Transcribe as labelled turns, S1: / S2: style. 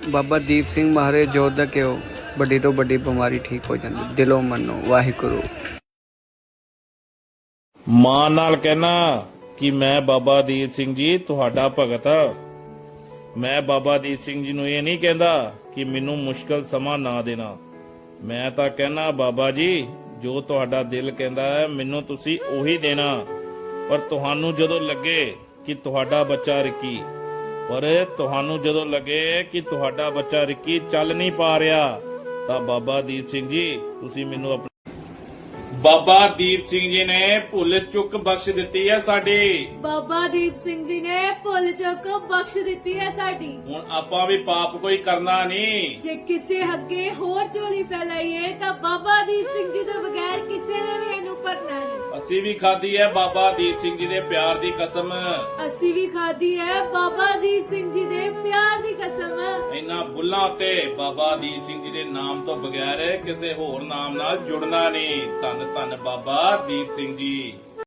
S1: ਬਾਬਾ ਦੀਪ ਸਿੰਘ ਮਹਾਰਾਜ ਜੋਤ ਦਾ ਘਿਓ ਵੱਡੀ ਤੋਂ ਵੱਡੀ ਬਿਮਾਰੀ ਠੀਕ ਹੋ ਜਾਂਦੀ। ਦਿਲੋਂ ਮੰਨੋ। ਵਾਹਿਗੁਰੂ।
S2: ਮਾਂ ਨਾਲ ਕਹਿਣਾ ਕਿ ਮੈਂ ਬਾਬਾ ਦੀਪ ਸਿੰਘ ਜੀ ਤੁਹਾਡਾ ਭਗਤ ਹਾਂ। ਮੈਂ ਬਾਬਾ ਦੀਪ ਸਿੰਘ ਜੀ ਨੂੰ ਇਹ ਨਹੀਂ ਕਹਿੰਦਾ ਕਿ ਮੈਨੂੰ ਮੁਸ਼ਕਲ ਸਮਾਂ ਨਾ ਦੇਣਾ। ਮੈਂ ਤਾਂ ਕਹਿਣਾ ਬਾਬਾ ਜੀ ਜੋ ਤੁਹਾਡਾ ਦਿਲ ਕਹਿੰਦਾ ਹੈ ਮੈਨੂੰ ਤੁਸੀਂ ਉਹੀ ਦੇਣਾ। ਪਰ ਤੁਹਾਨੂੰ ਜਦੋਂ ਲੱਗੇ ਕਿ ਤੁਹਾਡਾ ਬੱਚਾ ਰਿੱਕੀ ਰਿੱਕੀ ਚੱਲ ਨਹੀਂ ਪਾ ਰਿਹਾ ਤਾਂ ਬਾਬਾ ਦੀਪ ਸਿੰਘ ਜੀ ਤੁਸੀਂ ਮੈਨੂੰ ਬਾਬਾ ਦੀਪ ਸਿੰਘ ਜੀ ਨੇ ਭੁੱਲ ਚੁੱਕ ਬਖਸ਼ ਦਿੱਤੀ ਹੈ ਸਾਡੀ।
S3: ਬਾਬਾ ਦੀਪ ਸਿੰਘ ਜੀ ਨੇ ਭੁੱਲ ਚੁੱਕ ਬਖਸ਼ ਦਿੱਤੀ ਹੈ ਸਾਡੀ।
S2: ਹੁਣ ਆਪਾਂ ਵੀ ਪਾਪ ਕੋਈ ਕਰਨਾ ਨਹੀਂ।
S3: ਜੇ ਕਿਸੇ ਅੱਗੇ ਹੋਰ ਝੋਲੀ ਫੈਲਾਈਏ ਤਾਂ ਬਾਬਾ ਦੀਪ ਸਿੰਘ ਜੀ ਤੋਂ ਬਗੈਰ ਕਿਸੇ ਨੇ ਵੀ ਇਹਨੂੰ ਭਰਨਾ ਨਹੀਂ।
S2: ਅਸੀਂ ਵੀ ਖਾਧੀ ਹੈ ਬਾਬਾ ਦੀਪ ਸਿੰਘ ਜੀ ਦੇ ਪਿਆਰ ਦੀ ਕਸਮ।
S3: ਅਸੀਂ ਵੀ ਖਾਧੀ ਹੈ ਬਾਬਾ ਦੀਪ ਸਿੰਘ ਜੀ ਦੇ ਪਿਆਰ ਦੀ ਕਸਮ।
S2: ਇਹਨਾਂ ਬੁੱਲਾਂ ਤੇ ਬਾਬਾ ਦੀਪ ਸਿੰਘ ਜੀ ਦੇ ਨਾਮ ਤੋਂ ਬਗੈਰ ਕਿਸੇ ਹੋਰ ਨਾਮ ਨਾਲ ਜੁੜਨਾ ਨਹੀਂ। ਧੰਨ ਧੰਨ ਬਾਬਾ ਦੀਪ ਸਿੰਘ ਜੀ।